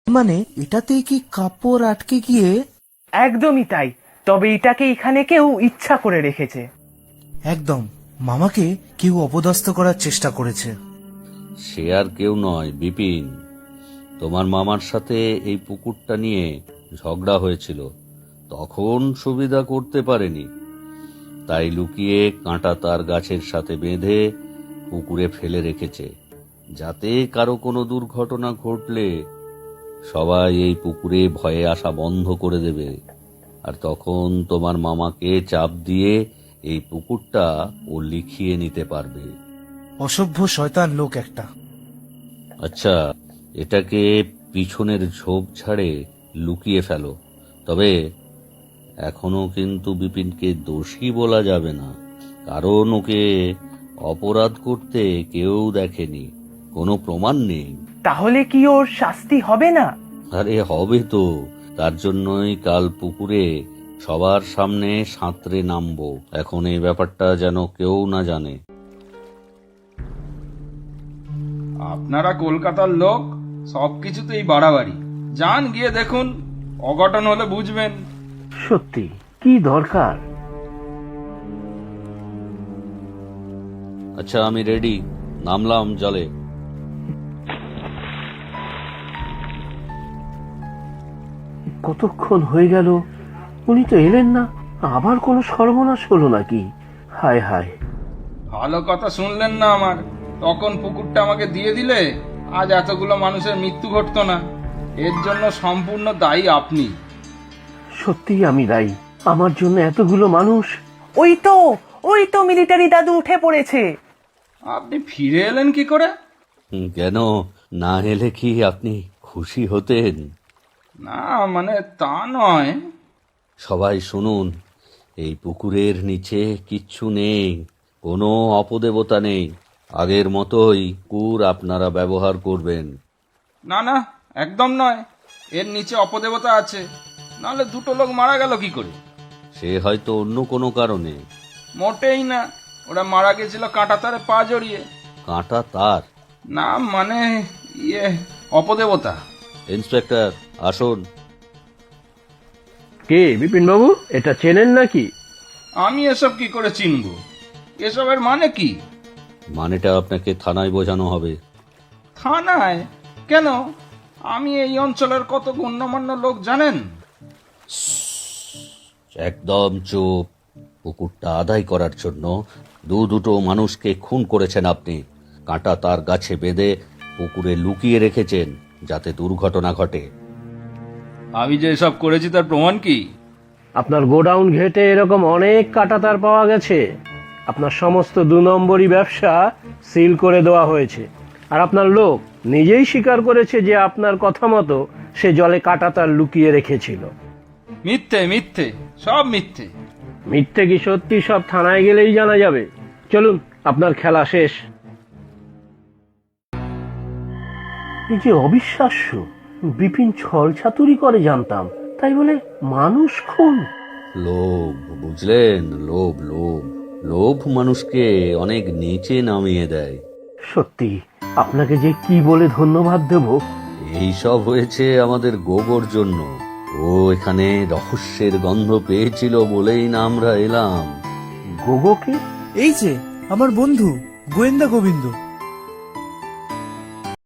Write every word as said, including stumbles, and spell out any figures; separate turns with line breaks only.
মানে এটাতে কি কাপড় আটকে গিয়ে?
একদমই তাই, তবে এটাকে এখানে কেউ ইচ্ছা করে রেখেছে।
একদম, মামাকে কেউ অপদস্থ করার চেষ্টা করেছে।
সে আর কেউ নয়, বিপিন। তোমার মামার সাথে এই পুকুরটা নিয়ে ঝগড়া হয়েছিল, তখন সুবিধা করতে পারেনি, তাই লুকিয়ে কাঁটা তার গাছের সাথে বেঁধে পুকুরে ফেলে রেখেছে, যাতে কারো কোনো দুর্ঘটনা ঘটলে সবাই এই পুকুরে ভয়ে আসা বন্ধ করে দেবে, আর তখন তোমার মামাকে চাপ দিয়ে এই পুকুরটা ও লিখিয়ে নিতে পারবে।
অসভ্য শয়তান লোক একটা।
আচ্ছা, এটাকে পিছনের ঝোপ ঝাড়ে লুকিয়ে ফেলো, তবে এখনো কিন্তু বিপিনকে দোষী বলা যাবে না, কারণ ওকে অপরাধ করতে কেউ দেখেনি, কোনো প্রমাণ নেই।
তাহলে কি ওর শাস্তি হবে না?
আরে হবে তো, তার জন্যই কাল পুকুরে সবার সামনে সাঁতরে নামবো। এখন এই ব্যাপারটা যেন কেউ না জানে।
আপনারা কলকাতার লোক, সবকিছুতেই বাড়াবাড়ি। যান, গিয়ে দেখুন, অঘটন হলে বুঝবেন।
সত্যি কি দরকার?
আচ্ছা, আমি রেডি, নামলাম জলে।
কতক্ষণ হয়ে গেল, উনি তো এলেন না। আবার কোনো সর্বনাশ হলো নাকি? হায় হায়।
ভালো কথা শুনলেন না আমার। তখন পুকুরটা আমাকে দিয়ে দিলে আজ এতগুলো মানুষের মৃত্যু ঘটতো না। এর জন্য সম্পূর্ণ দায়ী আপনি।
সত্যি আমি দায়ী, আমার জন্য এতগুলো মানুষ।
ওই তো ওই তো মিলিটারি দাদু উঠে পড়েছে।
আপনি ফিরে এলেন কি করে?
হুম, কেন না এলে কি আপনি খুশি হতেন?
না, মানে তা নয়।
সবাই শুনুন, এই পুকুরের নিচে কিচ্ছু নেই, কোনো অপদেবতা নেই, আগের মতোই কুর আপনারা ব্যবহার করবেন।
না না, একদম নয়। এর নিচে অপদেবতা আছে, নাহলে দুটো লোক মারা গেল কি করে?
সে হয়তো অন্য কোনো কারণে।
মোটেই না, ওরা মারা গেছিল কাঁটা তারে পা জড়িয়ে।
কাঁটা তার?
না মানে ইয়ে, অপদেবতা।
ইন্সপেক্টর আসুন।
কে বিপিন বাবু, এটা চেনেন নাকি?
আমি এসব কি করে চিনব? এসবের মানে কি?
মানেটা আপনাকে থানায় বোঝানো হবে।
থানায়? কেন? আমি এই অঞ্চলের কত গণ্যমান্য লোক জানেন।
একদম চুপ। পুকুরটা আদায় করার জন্য দু দুটো মানুষকে খুন করেছেন আপনি, কাঁটা তার গাছে বেঁধে পুকুরে লুকিয়ে রেখেছেন যাতে দুর্ঘটনা ঘটে।
আমি যে এসব করেছি তার প্রমাণ কি?
আপনার গোডাউন ঘেটে এরকম অনেক কাঁটাতার পাওয়া গেছে। আপনার সমস্ত দু নম্বরই ব্যবসা সিল করে দেওয়া হয়েছে, আর আপনার লোক নিজেই স্বীকার করেছে যে আপনার কথা মতো সে জলে কাঁটাতার লুকিয়ে রেখেছিল।
মিথ্যে মিথ্যে, সব মিথ্যে।
মিথ্যে কি সত্যি সব থানায় গেলেই জানা যাবে। চলুন, আপনার খেলা শেষ। এই যে অবিশ্বাস্য, বিপিন ছল ছাতুরি করে জানতাম, তাই বলে মানুষ খুন?
লোভ, বুঝলেন? লোভ লোভ লোভ মানুষকে অনেক নিচে নামিয়ে দেয়।
সত্যি আপনাকে যে কি বলে ধন্যবাদ দেব।
এই সব হয়েছে আমাদের গোবর জন্য। ও এখানে রহস্যের গন্ধ পেয়েছিল বলেই না আমরা এলাম।
গোগোকে?
এই যে আমার বন্ধু গোয়েন্দা গোবিন্দ।